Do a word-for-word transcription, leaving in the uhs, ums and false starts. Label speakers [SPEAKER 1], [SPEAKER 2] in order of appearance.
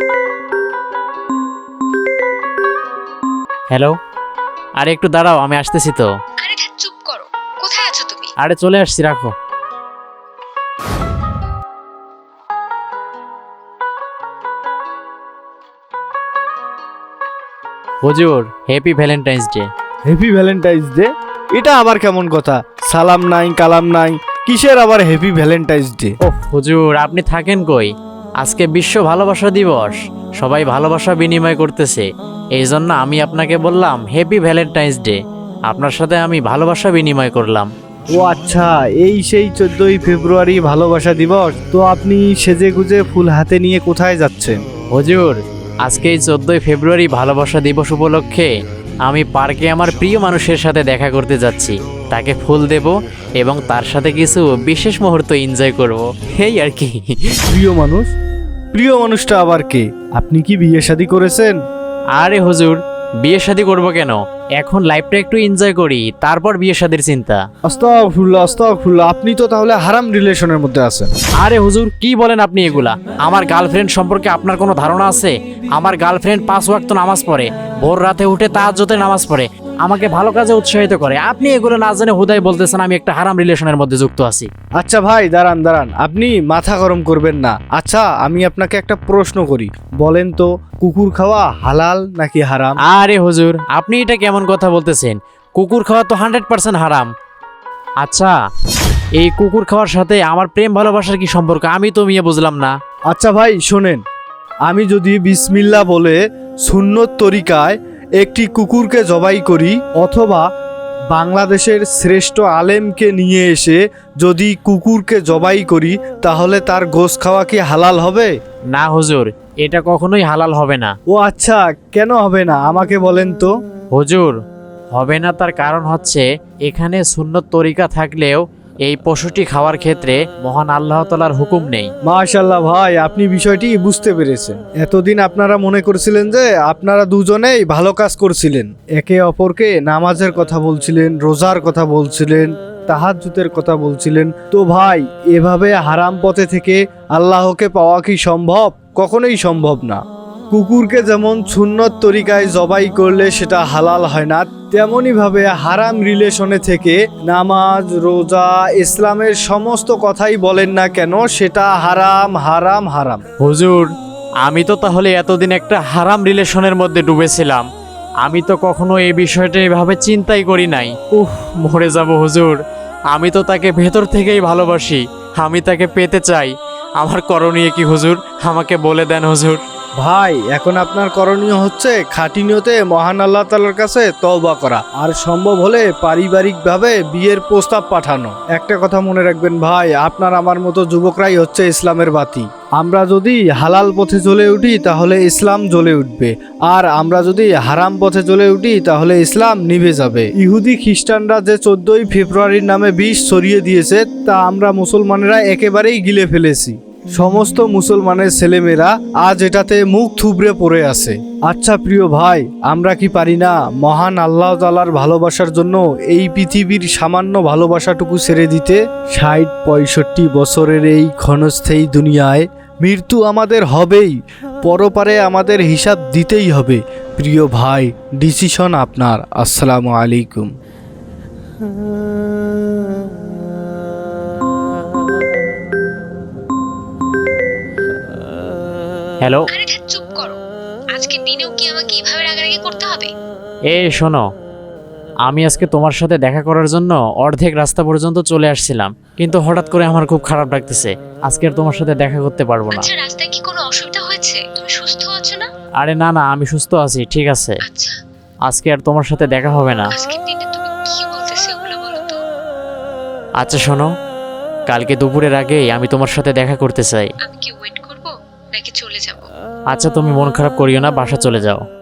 [SPEAKER 1] Hello, আরে একটু দাঁড়াও, আমি আসতেছি তো।
[SPEAKER 2] আরে ধ্যাৎ, চুপ করো। কোথায় আছো তুমি?
[SPEAKER 1] আরে চলে আসছি, রাখো। হুজুর, happy Valentine's Day.
[SPEAKER 3] Happy Valentine's Day? এটা আবার কেমন কথা? সালাম নাই কালাম নাই, কিসের আবার হ্যাপি ভ্যালেন্টাইন্স ডে?
[SPEAKER 1] ওহ হুজুর, আপনি থাকেন কই? আজকে বিশ্ব ভালোবাসা দিবস, সবাই ভালোবাসা বিনিময় করতেছে, এই জন্য আমি আপনাকে বললাম হ্যাপি ভ্যালেন্টাইন্স ডে। আপনার সাথে আমি ভালোবাসা বিনিময় করলাম।
[SPEAKER 3] ও আচ্ছা, এই সেই চোদ্দই ফেব্রুয়ারি ভালোবাসা দিবস। তো আপনি সেজে গুজে ফুল হাতে নিয়ে কোথায় যাচ্ছেন?
[SPEAKER 1] হুজুর, আজকে এই চোদ্দই ফেব্রুয়ারি ভালোবাসা দিবস উপলক্ষে আমি পার্কে আমার প্রিয় মানুষের সাথে দেখা করতে যাচ্ছি। তাকে ফুল দেব এবং তার সাথে কিছু বিশেষ মুহূর্ত এনজয় করব, এই আর কি।
[SPEAKER 3] প্রিয় মানুষ? প্রিয় মানুষটা আবার কে? আপনি কি বিয়ে শাদী করেছেন?
[SPEAKER 1] আরে হুজুর, বিয়ে শাদী করবো কেন? এখন লাইফটা একটু এনজয় করি, তারপর বিয়ে শাদীর চিন্তা।
[SPEAKER 3] আস্তাগফিরুল্লাহ আস্তাগফিরুল্লাহ, আপনি তো তাহলে হারাম রিলেশনের মধ্যে আছেন।
[SPEAKER 1] আরে হুজুর, কি বলেন আপনি এগুলা? আমার গার্লফ্রেন্ড সম্পর্কে আপনার কোনো ধারণা আছে? আমার গার্লফ্রেন্ড পাঁচ ওয়াক্ত নামাজ পড়ে, ভোর রাতে উঠে তাহাজ্জুদের নামাজ পড়ে, আমাকে ভালো কাজে উৎসাহিত করে। আপনি এগুলো না জেনে হুদাই বলতেছেন আমি একটা হারাম রিলেশনের মধ্যে যুক্ত আছি।
[SPEAKER 3] আচ্ছা ভাই, দাঁড়ান দাঁড়ান, আপনি মাথা গরম করবেন না। আচ্ছা, আমি আপনাকে একটা প্রশ্ন করি, বলেন তো, কুকুর খাওয়া হালাল নাকি হারাম?
[SPEAKER 1] আরে হুজুর, আপনি এটা কেমন কথা বলতেছেন? কুকুর খাওয়া তো হান্ড্রেড পার্সেন্ট হারাম। আচ্ছা, এই কুকুর খাওয়ার সাথে আমার প্রেম ভালোবাসার কি সম্পর্ক? আমি তো মিয়া বুঝলাম না।
[SPEAKER 3] আচ্ছা ভাই শোনেন, আমি যদি বিসমিল্লাহ বলে সুন্নত তরিকায় একটি কুকুরকে জবাই করি, অথবা বাংলাদেশের শ্রেষ্ঠ আলেমকে নিয়ে এসে যদি কুকুরকে জবাই করি, তাহলে তার গোশ খাওয়া কি হালাল হবে?
[SPEAKER 1] না হুজুর, এটা কখনোই হালাল হবে না।
[SPEAKER 3] ও আচ্ছা, কেন হবে না আমাকে বলেন তো?
[SPEAKER 1] হুজুর, হবে না তার কারণ হচ্ছে এখানে সুন্নত তরিকা থাকলেও এই পশুটি খাওয়ার ক্ষেত্রে মহান আল্লাহ তাআলার হুকুম নেই।
[SPEAKER 3] মাশাআল্লাহ ভাই, আপনি বিষয়টি বুঝতে পেরেছেন। এতদিন আপনারা মনে করছিলেন যে আপনারা দুজনেই ভালো কাজ করছিলেন, একে অপরকে নামাজের কথা বলছিলেন, রোজার কথা বলছিলেন, তাহাজ্জুদের কথা বলছিলেন। তো ভাই, এভাবে হারাম পথে থেকে আল্লাহকে পাওয়া কি সম্ভব? কখনোই সম্ভব না। কুকুরকে যেমন সুন্নত তরিকায় জবাই করলে সেটা হালাল হয় না, তেমনই ভাবে হারাম রিলেশনে থেকে নামাজ, রোজা, ইসলামের সমস্ত কথাই বলেন না কেন, সেটা হারাম হারাম হারাম।
[SPEAKER 1] হুজুর, আমি তো তাহলে এতদিন একটা হারাম রিলেশনের মধ্যে ডুবেছিলাম। আমি তো কখনো এই বিষয়টা এভাবে চিন্তাই করি নাই। উফ, মরে যাব হুজুর। আমি তো তাকে ভেতর থেকেই ভালোবাসি, আমি তাকে পেতে চাই। আমার করণীয় কি হুজুর? আমাকে বলে দেন হুজুর।
[SPEAKER 3] ভাই, এখন আপনার করণীয় হচ্ছে খাঁটি নিয়তে মহান আল্লাহ তাআলার কাছে তওবা করা, আর সম্ভব হলে পারিবারিকভাবে বিয়ের প্রস্তাব পাঠানো। একটা কথা মনে রাখবেন ভাই, আপনার আমার মতো যুবকরাই হচ্ছে ইসলামের বাতি। আমরা যদি হালাল পথে চলে উঠি তাহলে ইসলাম জ্বলে উঠবে, আর আমরা যদি হারাম পথে চলে উঠি তাহলে ইসলাম নিভে যাবে। ইহুদি খ্রিস্টানরা যে চোদ্দই ফেব্রুয়ারির নামে বিষ ছড়িয়ে দিয়েছে, তা আমরা মুসলমানেরা একেবারেই গিলে ফেলেছি। সমস্ত মুসলমানের ছেলেমেয়েরা আজ এটাতে মুখ থুবড়ে পড়ে আছে। আচ্ছা প্রিয় ভাই, আমরা কি পারি না মহান আল্লাহ তাআলার ভালোবাসার জন্য এই পৃথিবীর সামান্য ভালোবাসাটুকু ছেড়ে দিতে? ষাট পঁয়ষট্টি বছরের এই ক্ষণস্থায়ী দুনিয়ায় মৃত্যু আমাদের হবেই, পরপারে আমাদের হিসাব দিতেই হবে। প্রিয় ভাই, ডিসিশন আপনার। আসসালামু আলাইকুম।
[SPEAKER 1] হ্যালো,
[SPEAKER 2] আরে ধ্যাৎ, চুপ করো। আজকে দিনেও কি আমাকে এইভাবে রাগারাগি করতে হবে?
[SPEAKER 1] এ শোনো, আমি আজকে তোমার সাথে দেখা করার জন্য অর্ধেক রাস্তা পর্যন্ত চলে আসছিলাম, কিন্তু হঠাৎ করে আমার খুব খারাপ লাগতেছে। আজকে আর তোমার সাথে দেখা করতে পারবো না।
[SPEAKER 2] আচ্ছা, রাস্তায় কি কোনো অসুবিধা হয়েছে? তুমি সুস্থ আছো না?
[SPEAKER 1] আরে না না, আমি সুস্থ আছি, ঠিক আছে।
[SPEAKER 2] আচ্ছা,
[SPEAKER 1] আজকে আর তোমার সাথে দেখা হবে না।
[SPEAKER 2] আজকের দিনে তুমি কি বলতেছো ওগুলো বলো তো।
[SPEAKER 1] আচ্ছা শোনো, কালকে দুপুরের আগেই আমি তোমার সাথে দেখা করতে চাই।
[SPEAKER 2] আমি কি ওয়েট করব নাকি চলে যাব?
[SPEAKER 1] আচ্ছা, তুমি মন খারাপ করিও না, বাসা চলে যাও।